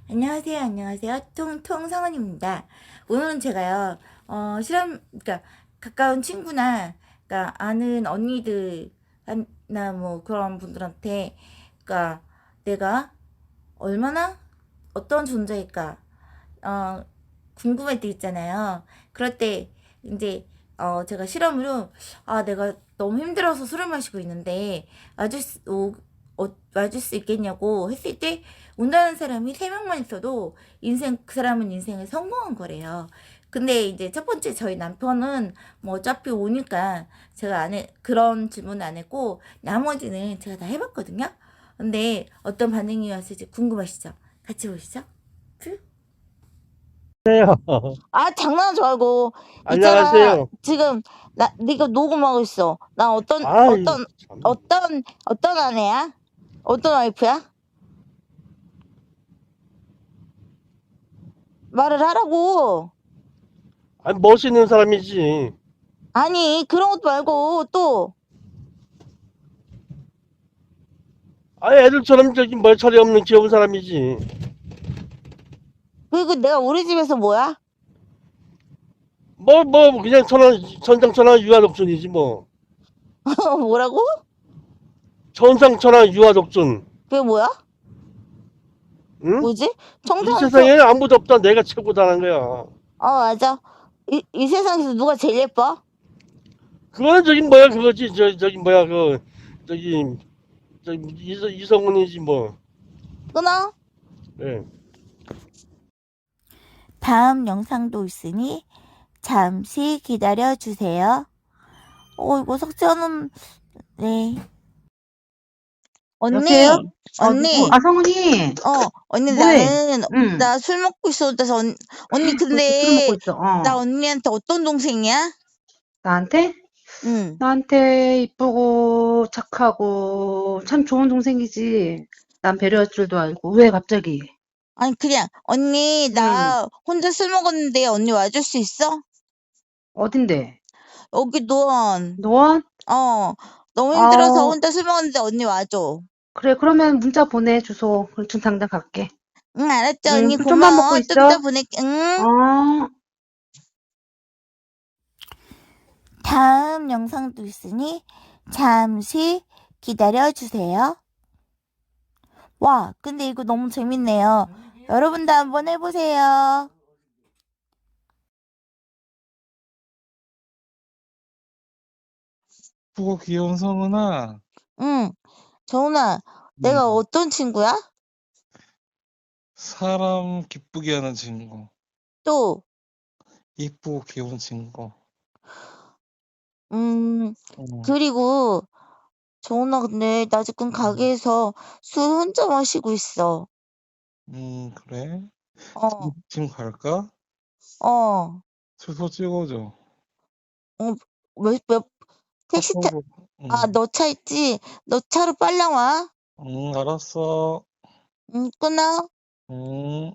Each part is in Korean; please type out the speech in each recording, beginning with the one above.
안녕하세요, 안녕하세요. 통성원입니다. 오늘은 제가요, 그러니까, 가까운 친구나, 그러니까, 아는 언니들, 나 뭐, 그런 분들한테, 그러니까, 내가 얼마나 어떤 존재일까, 어, 궁금할 때 있잖아요. 그럴 때, 이제, 제가 실험으로, 내가 너무 힘들어서 술을 마시고 있는데, 와줄 수 있겠냐고 했을 때, 온다는 사람이 3명만 있어도, 그 사람은 인생을 성공한 거래요. 근데 이제 첫 번째 저희 남편은 뭐 어차피 오니까 제가 그런 질문 안 했고, 나머지는 제가 다 해봤거든요. 근데 어떤 반응이 왔을지 궁금하시죠? 같이 보시죠. 큐. 안녕하세요. 장난하지 말고. 있잖아, 안녕하세요. 지금, 네가 녹음하고 있어. 나 아이, 참. 어떤 아내야? 어떤 와이프야? 말을 하라고. 아니, 멋있는 사람이지. 아니, 그런 것도 말고, 또, 아니, 애들처럼 저기 멀처리 없는 귀여운 사람이지. 그리고 내가 우리 집에서 뭐야? 그냥 천상천하 유아독존이지, 뭐. 뭐라고? 천상천하 유아독존. 그게 뭐야? 응? 뭐지? 이 청소년청, 세상에 아무도 없다. 내가 최고다는 거야. 맞아. 이 세상에서 누가 제일 예뻐? 그거는 저기 뭐야, 그거지. 저기 뭐야, 저기, 이성훈이지, 뭐. 끊어? 예. 다음 영상도 있으니 잠시 기다려 주세요. 이거 석재는, 네. 언니, 여보세요? 누구? 언니, 성은이. 언니, 뭐해? 응. 나 술 먹고 있어. 그래서, 언니, 왜 또 술 먹고 근데, 있어? 나 언니한테 어떤 동생이야? 나한테? 응. 나한테 이쁘고 착하고 참 좋은 동생이지. 난 배려할 줄도 알고. 왜 갑자기? 아니, 그냥, 언니, 응. 나 혼자 술 먹었는데, 언니 와줄 수 있어? 어딘데? 여기 노원. 노원? 너무 힘들어서 아, 혼자 술 먹었는데, 언니 와줘. 그래. 그러면 문자 보내, 주소. 그럼 지금 당장 갈게. 응, 알았죠, 응. 언니, 술 좀만 먹고 고마워. 좀 이따 있어. 보낼게, 응? 어. 다음 영상도 있으니, 잠시 기다려 주세요. 와, 근데 이거 너무 재밌네요. 여러분도 한번 해보세요. 예쁘고 귀여운 성은아, 응, 정훈아, 내가 음, 어떤 친구야? 사람 기쁘게 하는 친구, 또, 이쁘고 귀여운 친구. 음, 음, 그리고, 정훈아, 근데 나 지금 음, 가게에서 술 혼자 마시고 있어. 그래? 어, 지금 갈까? 어, 주소 찍어줘. 어, 몇, 택시 타, 카톡으로. 음, 너 차 있지? 너 차로 빨랑 와. 알았어. 응, 끊어. 음.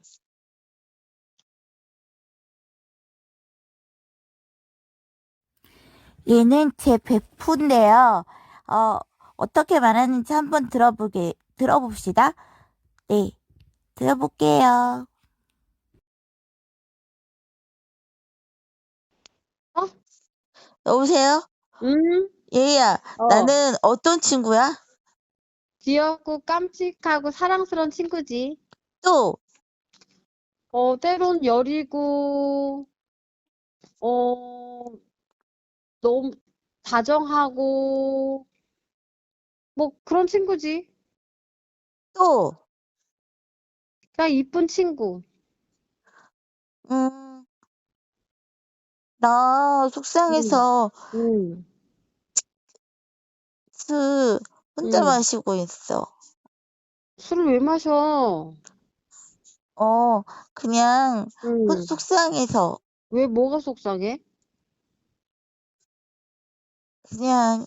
얘는 제 베프인데요. 어떻게 말하는지 한번 들어봅시다. 네, 들어볼게요. 어? 여보세요? 응? 얘야, 어. 나는 어떤 친구야? 귀엽고 깜찍하고 사랑스러운 친구지. 또, 때론 여리고, 어, 너무 다정하고, 뭐 그런 친구지. 또, 그냥 이쁜 친구. 음, 나 응, 속상해서 응, 술 혼자 응. 마시고 있어. 술을 왜 마셔? 그냥 응. 속상해서 왜 뭐가 속상해? 그냥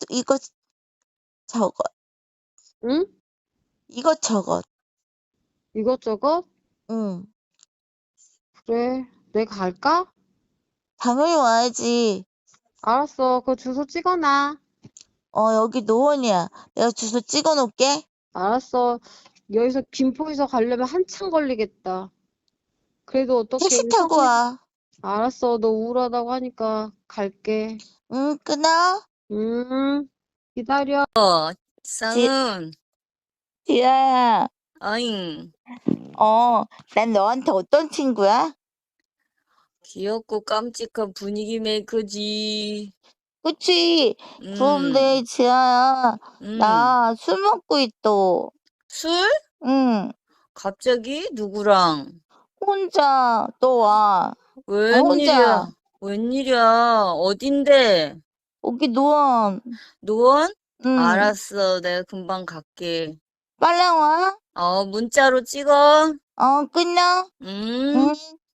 저것, 응? 이것저것. 이것저것? 응, 그래. 내가 갈까? 당연히 와야지. 알았어. 그 주소 찍어놔. 여기 노원이야. 내가 주소 찍어 놓을게. 알았어. 여기서 김포에서 가려면 한참 걸리겠다. 그래도 어떻게 택시 우리 타고 와. 알았어. 너 우울하다고 하니까 갈게. 응, 끊어. 기다려. 쌍은, 지아야, 아잉, 난 너한테 어떤 친구야? 귀엽고 깜찍한 분위기 메이커지. 그치? 음, 그런데 지아야, 나 술 먹고 있어. 술? 응, 갑자기? 누구랑? 혼자 또 와. 혼자. 웬일이야? 웬일이야? 어딘데? 여기 노원. 노원? 응, 알았어. 내가 금방 갈게. 빨리 와. 문자로 찍어. 끊어. 음. 응.